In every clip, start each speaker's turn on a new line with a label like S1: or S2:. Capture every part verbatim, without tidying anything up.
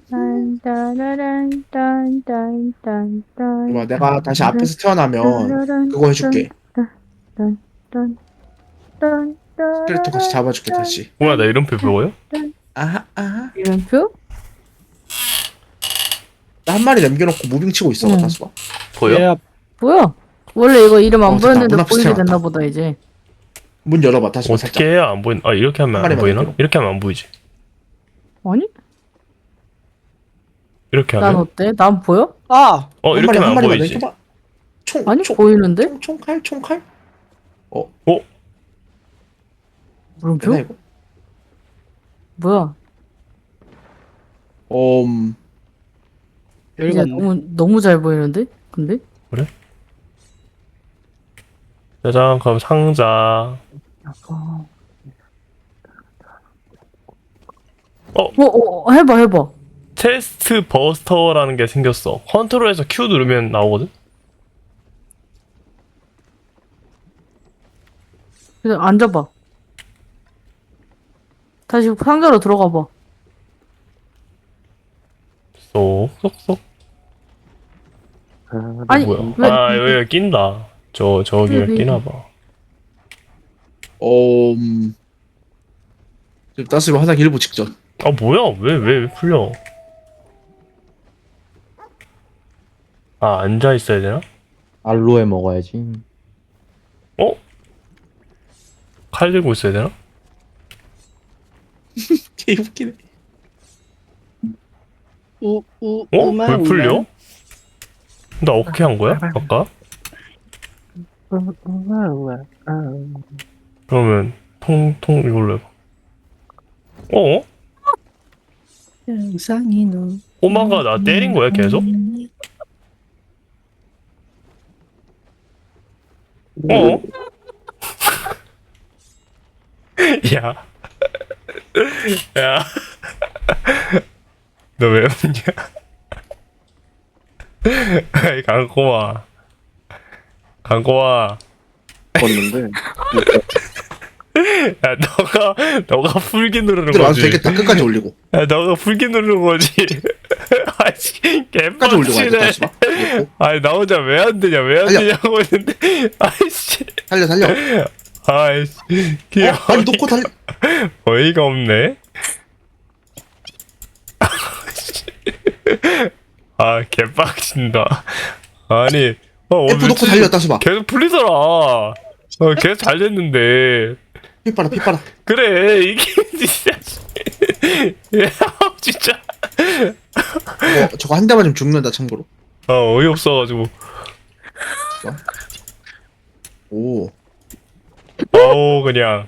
S1: 딴따라란딴딴딴딴딴.
S2: 봐, 내가 다시 앞에서 태어나면 그거 해줄게. 스켈레톤 같이 잡아줄게 다시.
S3: 뭐야, 나 이름표 배워요?
S2: 아하 아하.
S1: 이름표?
S2: 나 한 마리 남겨놓고 무빙 치고 있어.
S1: 응.
S2: 다시 봐.
S3: 보여?
S4: 얘야
S1: 뭐야? 원래 이거 이름 안
S2: 어, 됐다.
S1: 보였는데
S2: 문 앞에서
S1: 보이게
S2: 태어났다.
S1: 됐나 보다 이제.
S2: 문 열어봐 다시 봐.
S3: 어떻게
S2: 살짝.
S3: 해야 안 보인? 아, 이렇게 하면
S2: 한
S3: 안
S2: 마리만
S3: 보이나?
S2: 남기고.
S3: 이렇게 하면 안 보이지.
S1: 아니?
S3: 이렇게
S1: 난
S3: 하면?
S1: 어때? 난 보여?
S4: 아
S3: 어,
S2: 한
S3: 이렇게
S2: 마리 한
S3: 하면 안
S2: 마리만
S3: 보이지.
S2: 남겨봐. 총.
S1: 아니
S2: 총.
S1: 보이는데?
S2: 총 총칼 총칼. 어.
S3: 어?
S1: 물음표?
S2: 되나 이거?
S1: 뭐야?
S2: 음.
S1: 이제
S4: 열받네.
S1: 너무 너무 잘 보이는데? 근데?
S3: 짜잔, 그럼 상자.
S1: 어,
S3: 어,
S1: 어, 어 해봐 해봐.
S3: 체스트 버스터라는 게 생겼어. 컨트롤에서 Q 누르면 나오거든?
S1: 그래서 앉아봐. 다시 상자로 들어가봐.
S3: 쏙, 쏙, 쏙.
S1: 아니
S3: 뭐야?
S1: 왜?
S3: 아, 여기가 낀다. 저, 저기가
S1: 왜, 왜,
S3: 끼나봐.
S2: 음. 지금 따스면 화장 일부 직전.
S3: 아, 뭐야? 왜, 왜, 왜 풀려? 아, 앉아있어야 되나?
S4: 알로에 먹어야지.
S3: 어? 칼 들고 있어야 되나?
S2: 개 웃기네.
S4: 우우
S3: 어? 왜 풀려? 나 어떻게 한 거야? 아까? 그러면 통, 통 이걸로 해봐. 어?
S4: 영상이 너.
S3: 꼬마가 나 때린 거야 계속? 어? 야. 야. 너 왜 웃냐? 아이, 강꼬마. 강꼬마.
S2: 봤는데.
S3: 야, 너가, 너가 풀기 누르는
S2: 들어 와도
S3: 거지.
S2: 되겠다. 끝까지 올리고.
S3: 야, 너가 풀기 누르는 거지. 아씨,
S2: 끝까지 올리고 와야 돼.
S3: 개빡치네.
S2: 다시 봐. 그리고
S3: 아니, 나 혼자 왜 안 되냐, 왜 안
S2: 달려.
S3: 되냐고 했는데. 아이씨.
S2: 살려 살려.
S3: 아이씨. 귀여워.
S2: 아니 놓고 달려.
S3: 어이가 없네. 아, 개빡친다. 아니, 어, 오늘
S2: F 놓고 달려 다시 봐.
S3: 계속 풀리더라. 어, 계속 잘 됐는데.
S2: 피 빨아 피 빨아.
S3: 그래, 이게 진짜. 야, 진짜.
S2: 어, 저거 한 대만 좀 죽는다 참고로.
S3: 아, 어이없어가지고.
S2: 오.
S3: 아우, 그냥.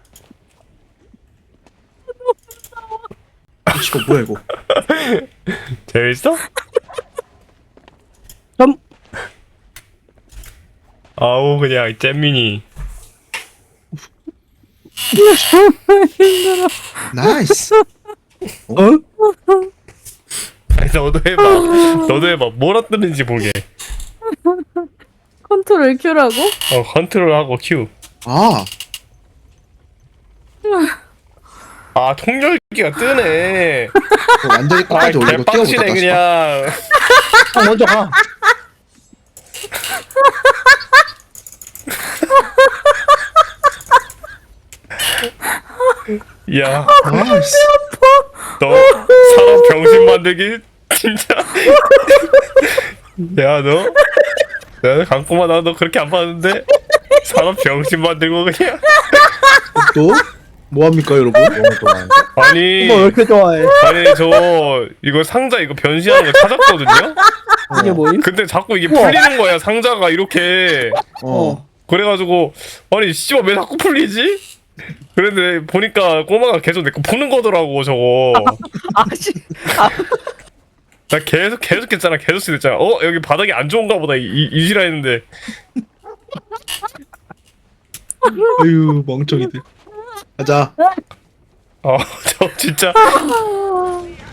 S2: 이거 뭐야 이거?
S3: 재밌어?
S4: 점.
S3: 아우, 그냥, 잼민이.
S2: 나이스.
S4: 어?
S3: 아니, 너도 해봐. 너도 해봐. 뭐라 뜨는지 보게.
S1: 컨트롤 Q라고?
S3: 어, 컨트롤하고 Q.
S2: 아.
S3: 아, 통렬기가 뜨네.
S2: 그거 완전히
S3: 아,
S2: 끝까지 올리고 뛰어보자
S3: 개빡치네,
S2: 다시 봐.
S3: 그냥.
S4: 아, 먼저 가.
S3: 야,
S2: 나이스.
S3: 너 사람 병신 만들기 진짜. 야, 너, 야, 강꼬마 나 너 그렇게 안 봤는데 사람 병신 만들고 그냥.
S2: 또 뭐합니까 여러분?
S4: 너무 좋아해.
S3: 아니,
S4: 뭐 왜 이렇게 좋아해?
S3: 아니 저 이거 상자 이거 변신하는 거 찾았거든요.
S4: 이게 뭐임?
S3: 근데 자꾸 이게
S4: 우와.
S3: 풀리는 거야 상자가 이렇게.
S2: 어.
S3: 그래가지고 아니 씨발 왜 자꾸 풀리지? 그런데 보니까 꼬마가 계속 내 거 푸는 거더라고 저거.
S4: 아씨.
S3: 나 계속 계속 했잖아 계속 했잖아. 어 여기 바닥이 안 좋은가 보다 이, 이, 이지라 했는데.
S2: 아유 멍청이들. 가자.
S3: 어 저 진짜